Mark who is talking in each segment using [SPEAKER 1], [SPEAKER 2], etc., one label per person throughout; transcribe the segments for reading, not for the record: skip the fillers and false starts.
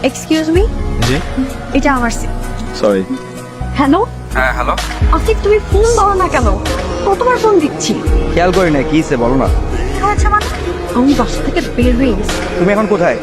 [SPEAKER 1] Excuse me,
[SPEAKER 2] জি
[SPEAKER 1] এটা আমার সিট।
[SPEAKER 2] সরি।
[SPEAKER 1] হ্যালো
[SPEAKER 2] হ্যাঁ হ্যালো,
[SPEAKER 1] আসিফ, তুমি ফোন দাও না কেন? কতবার ফোন দিচ্ছি।
[SPEAKER 2] খেয়াল করি না, কি বলো না।
[SPEAKER 1] কি হয়েছে মানে? আমি বাসা থেকে বের হয়ে গেছি।
[SPEAKER 2] তুমি এখন কোথায়?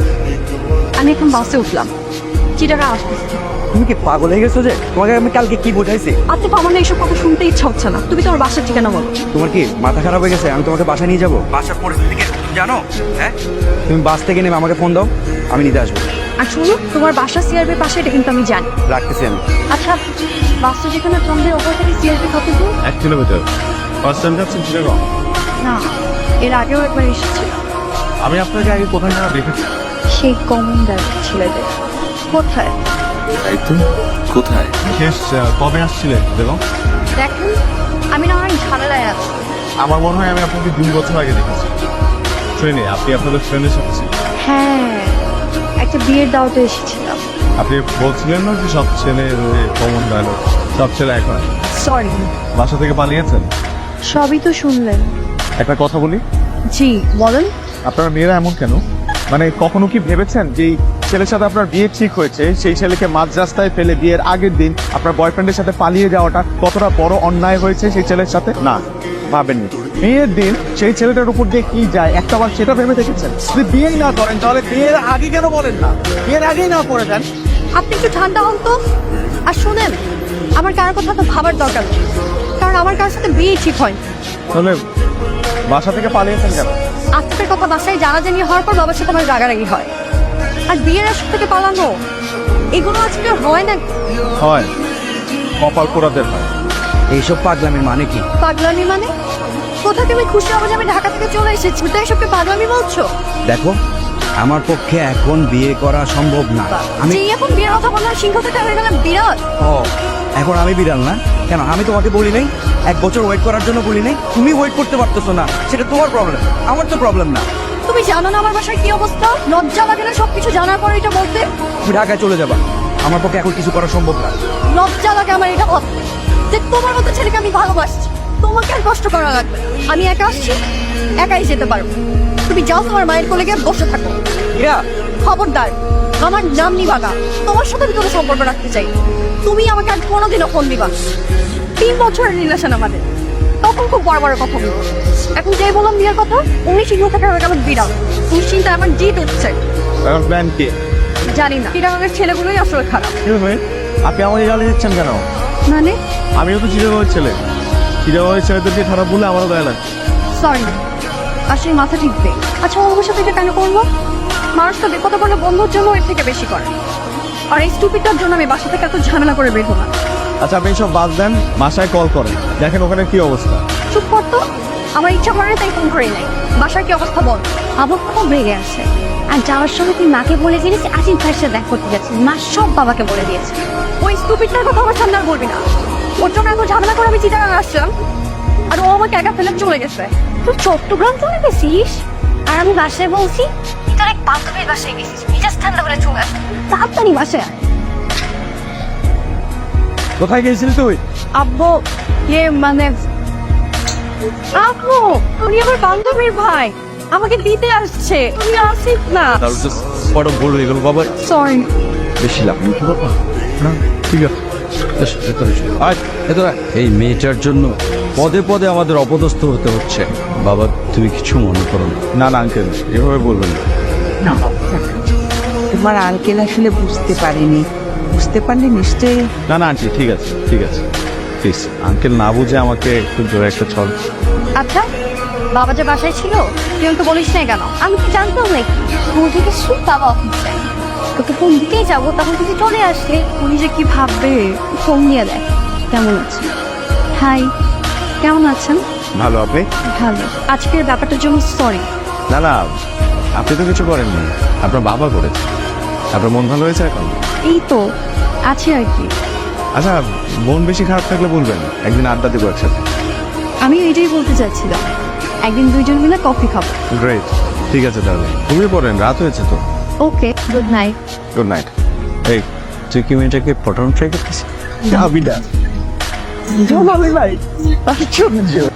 [SPEAKER 1] আমি এখন বাসে উঠলাম, চিটাগাং আসতেছি।
[SPEAKER 2] তুমি কি পাগল হয়ে গেছো? যে তোমাকে আমি কালকে কি বোঝাইছি?
[SPEAKER 1] আসিফ, আমার না এইসব কথা শুনতে ইচ্ছা হচ্ছে না। তুমি তোমার বাসার ঠিকানা বলো।
[SPEAKER 2] তোমার কি মাথা খারাপ হয়ে গেছে? আমি তোমাকে বাসা নিয়ে যাবো? বাসার পরিস্থিতি কি তুমি জানো? হ্যাঁ, তুমি বাস থেকে নেমে আমাকে ফোন দাও, আমি নিতে আসবো।
[SPEAKER 1] আর শুনো, তোমার বাসা সিআরবির পাশে, এটা কিন্তু আমি জানি।
[SPEAKER 2] রাখতেছি আমি।
[SPEAKER 1] আচ্ছা, বাসটা যেখানে থামবে ওপর থেকে সিআরবি কত দূর?
[SPEAKER 3] 1 কিলোমিটার। ফার্স্ট টাইম যাচ্ছেন চিটাগং?
[SPEAKER 1] না, এর আগেও একবার এসেছি।
[SPEAKER 3] আমি আপনাকে আগে কোথায় যেন দেখেছি।
[SPEAKER 1] সেই কমন দাঁড়িয়ে ছেলেদের কোথায়?
[SPEAKER 3] তাই তো, কোথায়? শেষ কবে আসছিলেন চিটাগং?
[SPEAKER 1] দেখেন, আমি না অনেক ঝামেলায় আছি।
[SPEAKER 3] আমার মনে হয় আমি আপনাকে 2 বছর আগে দেখেছি ট্রেনে। আপনি আপনাদের ফ্রেন্ডের সাথে ছিলেন।
[SPEAKER 1] হ্যাঁ, একটা বিয়ের দাওয়াতে এসেছিলাম।
[SPEAKER 3] আপনি বলছিলেন না যে সব ছেলে কমন ডায়লগ, সব ছেলে এখন
[SPEAKER 1] সরি,
[SPEAKER 3] বাসা থেকে পালিয়েছেন।
[SPEAKER 1] সবই তো শুনলেন।
[SPEAKER 3] একটা কথা বলি,
[SPEAKER 1] জি বলেন।
[SPEAKER 3] আপনারা মেয়েরা এমন কেন? মানে কখনো কি ভেবেছেন যে এই ছেলের সাথে আপনার বিয়ে ঠিক হয়েছে, সেই ছেলেকে মাঝ রাস্তায় ফেলে বিয়ের আগের দিন আপনার বয়ফ্রেন্ডের সাথে পালিয়ে যাওয়াটা কতটা বড় অন্যায় হয়েছে সেই ছেলের সাথে? না, ভাবেননি। বিয়ের দিন সেই ছেলেটার উপর দিয়ে কি যায় একটাবার সেটা ভেবে দেখেছেন? যদি বিয়েই না করেন তাহলে বিয়ের আগে কেন বলেন না? বিয়ের আগেই না করে দেন।
[SPEAKER 1] আপনি একটু ঠান্ডা হন তো। আর শোনেন, আমার কারোর কথা তো ভাবার দরকার নেই, কারণ আমার কারোর সাথে বিয়ে ঠিক হয়।
[SPEAKER 3] তাহলে বাসা থেকে পালিয়েছেন কেন?
[SPEAKER 1] আজকের কথা বাসায় জানাজানি হওয়ার পর বাবার সাথে আমার রাগারাগি হয়। আর বিয়ের আসর থেকে পালানো, এগুলো আজকে হয় না।
[SPEAKER 3] হয়, কপাল পোড়াদের হয়।
[SPEAKER 2] এইসব পাগলামির মানে কি?
[SPEAKER 1] পাগলামি মানে? কোথা তুমি খুশি হবে যে আমি ঢাকা থেকে চলে এসেছি, তো এসবকে পাগলামি বলছো?
[SPEAKER 2] দেখো, আমার পক্ষে এখন বিয়ে করা সম্ভব না। আমি
[SPEAKER 1] যে এখন বিয়ের কথা বললাম, সিংহ থেকে হয়ে গেলাম বিরাট।
[SPEAKER 2] ও, এখন আমি বিড়াল না? কেন, আমি তোমাকে বলি নাই 1 বছর ওয়েট করার জন্য? বলি নাই? তুমি ওয়েট করতে পারতেছো না, সেটা তোমার প্রবলেম, আমার তো প্রবলেম না।
[SPEAKER 1] তুমি জানো না আমার বাসায় কি অবস্থা? লজ্জা লাগে না সবকিছু জানার পর এটা বলতে?
[SPEAKER 2] তুমি ঢাকায় চলে যাবা, আমার পক্ষে এখন কিছু করা সম্ভব না।
[SPEAKER 1] লজ্জা লাগে আমার এটা ভাবতে যে তোমার মতো ছেলেকে আমি ভালোবাসছি। তোমাকে আর কষ্ট করা লাগবে। আমি একা আসছি, একাই যেতে পারবো। তুমি যাও, তোমার মায়ের কোলে গিয়ে বসে থাকো।
[SPEAKER 2] ইরা,
[SPEAKER 1] খবরদার, আমার নাম নিবাগা। তোমার সাথে আমি কোনো সম্পর্ক রাখতে চাই। তুমি আমাকে আর কোনোদিনও ফোন দিবা। 3 বছরের রিলেশন আমাদের, তখন খুব বড় বড় কথা বলবো। এখন যেই বললাম বিয়ের কথা, উনি সিংহ থেকে হয়ে গেল বিড়াল। নিশ্চিন্তে আমার জিত উঠছে।
[SPEAKER 3] এখন প্ল্যান কি?
[SPEAKER 1] জানি না, চিটাগাংয়ের ছেলেগুলোই আসলে খারাপ।
[SPEAKER 3] আপনি আমাকে গালি দিচ্ছেন কেন?
[SPEAKER 1] মানে?
[SPEAKER 3] আমিও তো চিটাগংয়ের ছেলে। চিটাগংয়ের ছেলেদেরকে খারাপ বলে আমারও গায়ে লাগে।
[SPEAKER 1] সরি, আসলে মাথা ঠিক নেই। আচ্ছা, ওর সাথে এটা কেন করবো? মানুষ তো বিপদে পড়লে বন্ধুর জন্য এর থেকে বেশি করে। আর এই স্টুপিডটার জন্য আমি বাসা থেকে এত ঝামেলা করে বের হলাম।
[SPEAKER 3] আচ্ছা, আপনি সব বাদ দেন, বাসায় কল করেন, দেখেন ওখানে কি অবস্থা।
[SPEAKER 1] চুপ করতো, আমার ইচ্ছা করে তাই ফোন করে নাই। বাসার কি অবস্থা বল।
[SPEAKER 4] আবার খুব রেগে আছে। আর যাওয়ার সময় তুই মাকে বলে দিয়েছিস আসিফ ভাইয়ের সাথে দেখা করতে যাচ্ছিস। মা সব বাবাকে বলে দিয়েছে।
[SPEAKER 1] ওই স্টুপিডটার কথা আমার সামনে আর বলবি না। ওর জন্য এত ঝামেলা করে আমি চিটাগাং আসলাম, আর ও আমাকে একা ফেলে চলে গেছে।
[SPEAKER 4] তুই চট্টগ্রাম চলে গেছিস আর আমি বাসায় বলছি তোর এক বান্ধবীর বাসায় গেছিস, মেজাজ ঠান্ডা করে চলে আস। তাড়াতাড়ি বাসায় আয়।
[SPEAKER 3] কোথায় গেছিলি তুই?
[SPEAKER 1] আব্বু, মানে আব্বু, উনি আমার বান্ধবীর ভাই, আমাকে দিতে আসছে। তুমি আসিস না।
[SPEAKER 3] বড় ভুল হয়ে গেল বাবা।
[SPEAKER 1] সরি।
[SPEAKER 3] বেশি লাভ নেই, কি বাবা? না, ঠিক আছে।
[SPEAKER 2] এই মেয়েটার জন্য পদে পদে আমাদের অপদস্থ হতে হচ্ছে। বাবা, তুমি কিছু মনে করো না।
[SPEAKER 3] না না আঙ্কেল, এভাবে বলবেন না।
[SPEAKER 5] তোমার আঙ্কেল আসলে বুঝতে পারেনি, বুঝতে পারলে নিশ্চয়ই।
[SPEAKER 3] না না আন্টি, ঠিক আছে ঠিক আছে, প্লিজ আঙ্কেল না বুঝে আমাকে একটু জোরে একটা ছল।
[SPEAKER 1] আচ্ছা, বাবা যে বাসায় ছিল তুই তো বলিস না কেন?
[SPEAKER 4] আমি কি জানতাম নাকি স্কুল থেকে শুধু বাবা অফিসে তোকে ফোন দিতেই যাবো, তখন তুই চলে আসলে।
[SPEAKER 1] উনি যে কি ভাববে।
[SPEAKER 4] ফোন দিয়ে দেখ কেমন আছে।
[SPEAKER 1] হাই, কেমন আছেন?
[SPEAKER 3] ভালো, আপনি?
[SPEAKER 1] ভালো। আজকের ব্যাপারটার জন্য সরি।
[SPEAKER 3] না না, আপনি তো কিছু করেননি, আপনার বাবা করেছে। আপনার মন ভালো হয়েছে এখন?
[SPEAKER 1] এই তো আছি আর কি।
[SPEAKER 3] আচ্ছা, মন বেশি খারাপ থাকলে বলবেন, একদিন আড্ডা দেবো একসাথে।
[SPEAKER 1] আমি এটাই বলতে চাচ্ছিলাম, একদিন দুইজন মিলে কফি খাবো।
[SPEAKER 3] গ্রেট, ঠিক আছে তাহলে। ঘুমিয়ে পড়েন, রাত হয়েছে তো।
[SPEAKER 1] Okay, good night.
[SPEAKER 3] Good night. এই, তুই কি মেয়েটাকে পটানো ট্রাই করতেছিস?
[SPEAKER 5] ভাই